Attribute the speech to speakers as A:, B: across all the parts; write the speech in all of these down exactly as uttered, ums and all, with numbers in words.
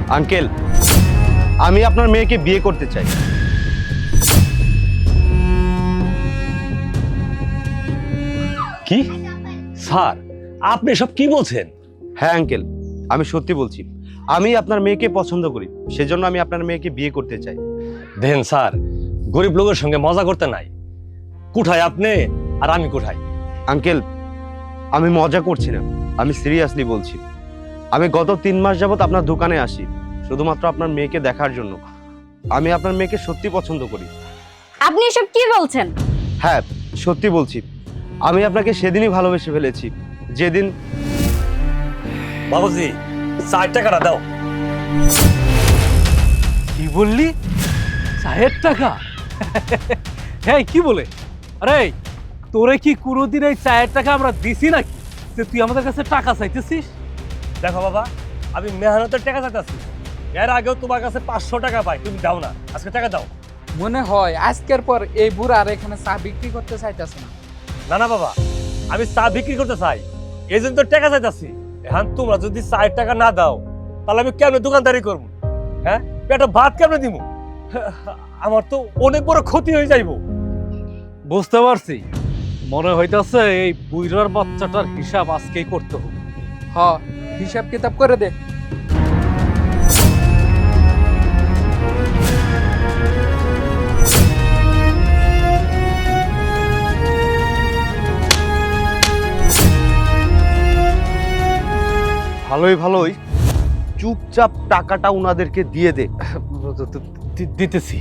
A: Uncle, আমি আপনার মেয়েকে বিয়ে করতে চাই।
B: কি স্যার, আপনি সব কি বলছেন?
A: হ্যাঁ আঙ্কেল, আমি সত্যি বলছি। আমি আপনার মেয়েকে পছন্দ করি, সেজন্য আমি আপনার মেয়েকে বিয়ে করতে চাই।
B: দেখেন স্যার, গরিব লোকের সঙ্গে মজা করতে নাই। কোথায় আপনি আর আমি কোথায়?
A: আঙ্কেল, আমি মজা করছি না, আমি সিরিয়াসলি বলছি। আমি গত তিন মাস যাবত আপনার দোকানে আসি শুধুমাত্র আপনার মেয়েকে দেখার জন্য। আমি আপনার মেয়েকে সত্যি পছন্দ করি।
C: আপনি এসব কি বলছেন?
A: হ্যাঁ, সত্যি বলছি। আমি আপনাকে সেদিনই ভালোবেসে ফেলেছি, যেদিন।
B: বাবুজি, চার টাকাটা দাও।
D: কি বললি? চায়ের টাকা? হ্যাঁ, কি বলে? আরে তোরে কি কোনোদিন এই চায়ের টাকা আমরা দিছি নাকি যে তুই আমাদের কাছে টাকা চাইতেছিস?
B: দেখো বাবা, আমি মেহনতের টাকা চাইতেছি। এর আগেও তোমার কাছে পাঁচশো টাকা পাই, তুমি দাও না। আজকে টাকা দাও।
E: মনে হয় আজকের পর এই বুড়া আর এখানে চা বিক্রি করতে চাইতেছে না।
B: না না বাবা, আমি চা বিক্রি করতে চাই, এই জন্য তো টাকা চাইতেছি। এখন তোমরা যদি চার টাকা না দাও তাহলে আমি কেমনে দোকানদারি করবো? হ্যাঁ, পেটে ভাত কেমনে দিব? আমার তো অনেক বড় ক্ষতি হয়ে যাইব।
D: বুঝতে পারছি, মনে হইতাছে এই বুইরার বাচ্চাটার হিসাব আজকেই করতে হবে।
E: হ, হিসাব কিতাব করে দে।
A: ভালোই ভালোই চুপচাপ টাকাটা উনাদেরকে দিয়ে দে।
D: দি- দিতেছি।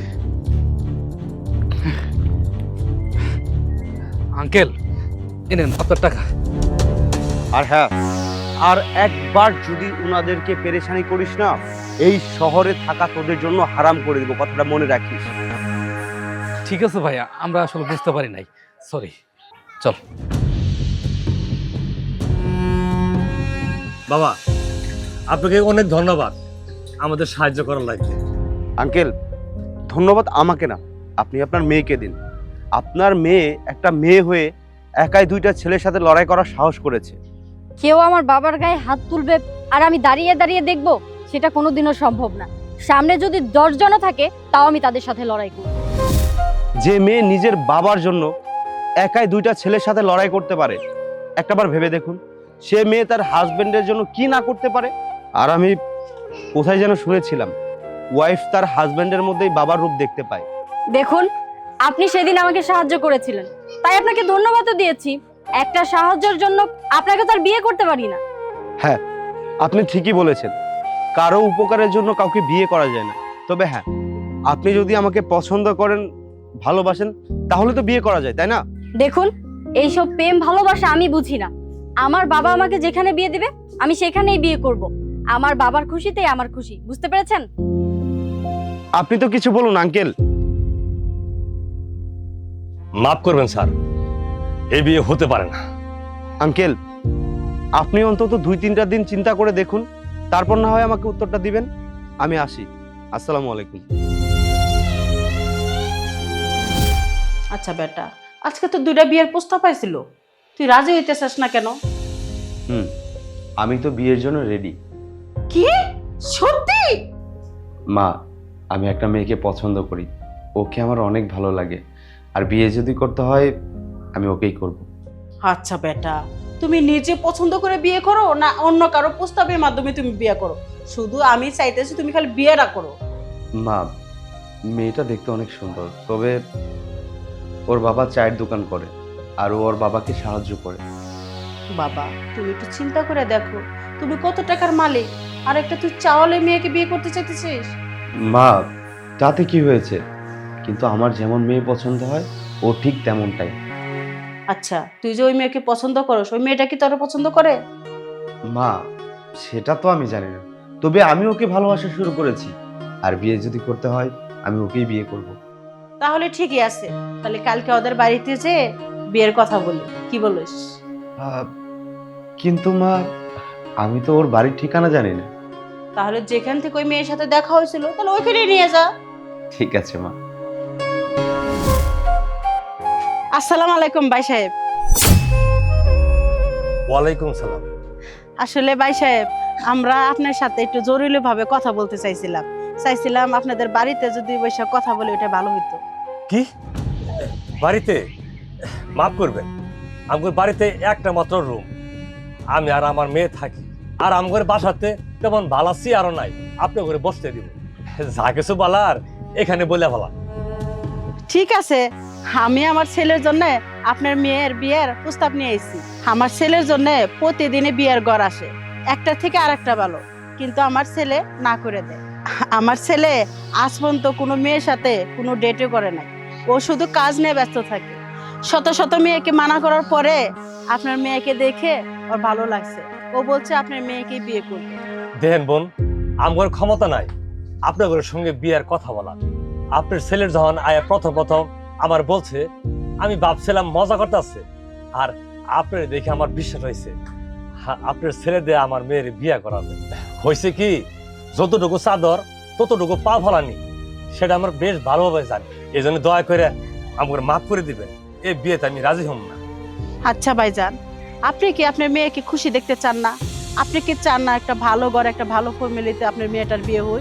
D: আঙ্কেল, এনেন আপনার টাকা।
A: আর হ্যাঁ, আর একবার যদি উনাদেরকে পেরেশানি করিস না, এই শহরে থাকা তোদের জন্য হারাম করে দিব, কথাটা মনে রাখিস।
D: ঠিক আছে ভাইয়া, আমরা আসলে বুঝতে পারি নাই, সরি। চল।
B: বাবা, আপনাকে অনেক ধন্যবাদ আমাদের সাহায্য করার লাগবে।
A: আঙ্কেল, ধন্যবাদ আমাকে না, আপনি আপনার মেয়েকে দিন। আপনার মেয়ে একটা মেয়ে হয়ে একাই দুইটা ছেলের সাথে লড়াই করার সাহস করেছে।
C: কেউ আমার বাবার গায়ে হাত তুলবে আর আমি দাঁড়িয়ে দাঁড়িয়ে দেখব, সেটা কোনোদিনও সম্ভব না। সামনে যদি দশজনও থাকে তাও আমি তাদের সাথে লড়াই করব।
A: যে মেয়ে নিজের বাবার জন্য একাই দুইটা ছেলের সাথে লড়াই করতে পারে, একটাবার ভেবে দেখুন সে মেয়ে তার হাজবেন্ডের জন্য কি না করতে পারে। আর আমি কোথায় যেন শুনেছিলাম, ওয়াইফ তার হাজবেন্ডের মধ্যেই বাবার রূপ দেখতে পায়।
C: দেখুন, আপনি সেদিন আমাকে সাহায্য করেছিলেন, তাই আপনাকে ধন্যবাদও দিয়েছি। একটা সাহায্যের জন্য আপনাকে তো আর বিয়ে করতে পারি না।
A: হ্যাঁ, আপনি ঠিকই বলেছেন, কারো উপকারের জন্য কাউকে বিয়ে করা যায় না। তবে হ্যাঁ, আপনি যদি আমাকে পছন্দ করেন, ভালোবাসেন, তাহলে তো বিয়ে করা যায়, তাই না?
C: দেখুন, এইসব প্রেম ভালোবাসা আমি বুঝি না। আমার বাবা আমাকে যেখানে বিয়ে দিবে আমি সেখানেই বিয়ে করব। আমার বাবার খুশিতেই আমার খুশি, বুঝতে পেরেছেন?
A: আপনি তো কিছু বলুন আঙ্কেল।
B: মাফ করবেন স্যার, এই বিয়ে হতে পারে না।
A: আঙ্কেল, আপনি অন্তত দুই তিনটা দিন চিন্তা করে দেখুন, তারপর না হয় আমাকে উত্তরটা দিবেন। আমি আসি। আসসালামু আলাইকুম।
F: আচ্ছা বেটা, আজকে তো দুইটা বিয়ের প্রস্তাব পাইছিল, তুই রাজি হইতেছিস না কেন?
A: হুম, আমি তো বিয়ের জন্য রেডি।
F: কি সত্যি?
A: মা, আমি একটা মেয়েকে পছন্দ করি, ওকে আমার অনেক ভালো লাগে, আর বিয়ে যদি করতে হয় আমি ওকেই করব।
F: আচ্ছা বেটা, তুমি নিজে পছন্দ করে বিয়ে করো না অন্য কারো প্রস্তাবের মাধ্যমে তুমি বিয়ে করো? শুধু আমি চাইতেছি তুমি খালি বিয়েটা করো।
A: মা, মেয়েটা দেখতে অনেক সুন্দর, তবে ওর বাবা চায়ের দোকান করে আর ও ওর বাবাকে সাহায্য করে।
F: বাবা, তুমি একটু চিন্তা করে দেখো, তুমি কত টাকার মালিক, আর একটা তুই চাওয়ালে মেয়েকে বিয়ে করতে চাইতেছিস?
A: মা, তাতে কি হয়েছে? কিন্তু আমার যেমন মেয়ে পছন্দ হয় ও ঠিক তেমনটাই।
F: আচ্ছা, তুই যে ওই মেয়েকে পছন্দ করস, ওই মেয়েটা কি তোর পছন্দ করে?
A: মা, সেটা তো আমি জানি না, তবে আমি ওকে ভালোবাসা শুরু করেছি, আর বিয়ে যদি করতে হয় আমি ওকেই বিয়ে করব।
F: তাহলে ঠিকই আছে, তাহলে কালকে ওদের বাড়িতে যে বিয়ের কথা বলি, কি বলিস?
A: আহ, কিন্তু মা, আমি তো ওর বাড়ির ঠিকানা জানি না।
F: তাহলে যেখান থেকে ওই মেয়ের সাথে দেখা হয়েছিল তাহলে ওইখানে নিয়ে যা।
A: ঠিক আছে মা।
F: আসসালামু আলাইকুম ভাই সাহেব।
B: ওয়ালাইকুম সালাম।
F: আসলে ভাই সাহেব, আমরা আপনার সাথে একটু জরুরি ভাবে কথা বলতে চাইছিলাম চাইছিলাম আপনাদের বাড়িতে যদি বসে কথা বলে ওটা ভালো হতো।
B: কি বাড়িতে? মাফ করবেন, আমার বাড়িতে একটা মাত্র রুম, আমি আর আমার মেয়ে থাকি। আর আমার বাসাতে তেমন ভালাসি আরো নাই, আপনি করে বসতে দিব। যা কিছু বলার এখানে বলে ভালা।
F: ঠিক আছে, আমি আমার ছেলের জন্য আপনার মেয়ের বিয়ের প্রস্তাব নিয়ে এসেছি। আমার ছেলের জন্য প্রতিদিনই বিয়ের ঘর আসে, একটা থেকে আরেকটা ভালো, কিন্তু আমার ছেলে না করে দেয়। আমার ছেলে আজ পর্যন্ত কোনো মেয়ের সাথে কোনো ডেটও করে নাই, ও শুধু কাজ নিয়ে ব্যস্ত থাকে। শত শত মেয়েকে মানা করার পরে আপনার মেয়েকে দেখে ওর ভালো লাগছে, ও বলছে আপনার মেয়েকে বিয়ে করবে।
B: দেখেন বোন, আমার ক্ষমতা নাই আপনাদের সঙ্গে বিয়ের কথা বলা। আপনার ছেলের যখন আয়া প্রথম প্রথম আমার বলছে, আমি ভাবছিলাম মজা করতেছে, আর আপনার দেখে আমার বিশ্বাস হয়েছে হ্যাঁ, আপনার ছেলে দিয়ে আমার মেয়ের বিয়ে করাবে। হয়েছে কি, যতটুকু চাদর ততটুকু পা ফলানি, সেটা আমার বেশ ভালোভাবে জানি। এই জন্য দয়া করে আমাকে মাফ করে দিবেন, এই বিয়েতে আমি রাজি হম না।
F: আচ্ছা ভাইজান, আপনি কি আপনার মেয়েকে খুশি দেখতে চান না? আপনি কি চান না একটা ভালো ঘর, একটা ভালো ফ্যামিলিতে আপনার মেয়েটার বিয়ে হয়?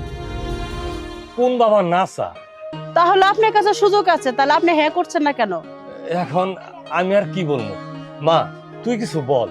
B: কোন বাবা না চা?
F: তাহলে আপনার কাছে সুযোগ আছে, তাহলে আপনি হ্যাঁ করছেন না কেন?
B: এখন আমি আর কি বলবো? মা, তুই কিছু বল।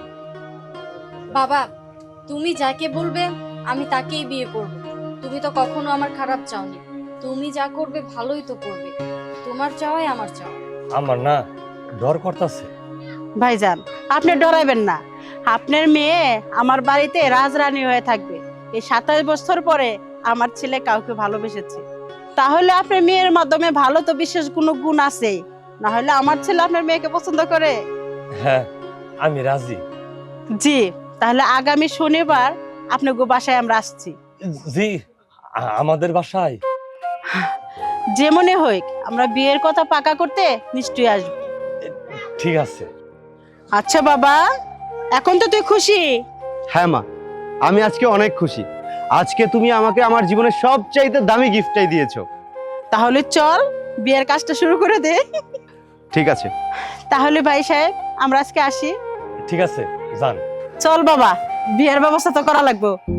C: বাবা, তুমি যাকে বলবে আমি তাকেই বিয়ে করব। তুমি তো কখনো আমার খারাপ চাওনি, তুমি যা করবে ভালোই তো করবে। তোমার চাওয়াই আমার চাওয়া।
B: আমার না ডর করতেছে।
F: ভাইজান, আপনি ডরাইবেন না, আপনার মেয়ে আমার বাড়িতে রাজরানী হয়ে থাকবে। এই সাতাশ বছর পরে আমার ছেলে কাউকে ভালোবেসেছে, তাহলে আপনার মেয়ের মাধ্যমে ভালো তো বিশেষ কোনো গুণ আছে, না হলে আমার ছেলে আপনার মেয়েকে পছন্দ করে?
B: হ্যাঁ, আমি রাজি।
F: জি, তাহলে আগামী শনিবার আপনার গো বাসায় আমরা আসছি।
B: জি, আ- আমাদের বাসায়?
F: যে মনে হোক, আমরা বিয়ের কথা পাকা করতে নিশ্চয়ই আসবো।
B: ঠিক আছে।
F: আচ্ছা বাবা, এখন তো তুই খুশি?
A: হ্যাঁ মা, আমি আজকে অনেক খুশি। আজকে তুমি আমাকে আমার জীবনের সবচাইতে দামি গিফটটাই দিয়েছো।
F: তাহলে চল বিয়ের কাজটা শুরু করে দে।
A: ঠিক আছে।
F: তাহলে ভাই সাহেব, আমরা আজকে আসি।
B: ঠিক আছে, যান।
F: চল বাবা, বিয়ের ব্যবস্থা তো করা লাগবে।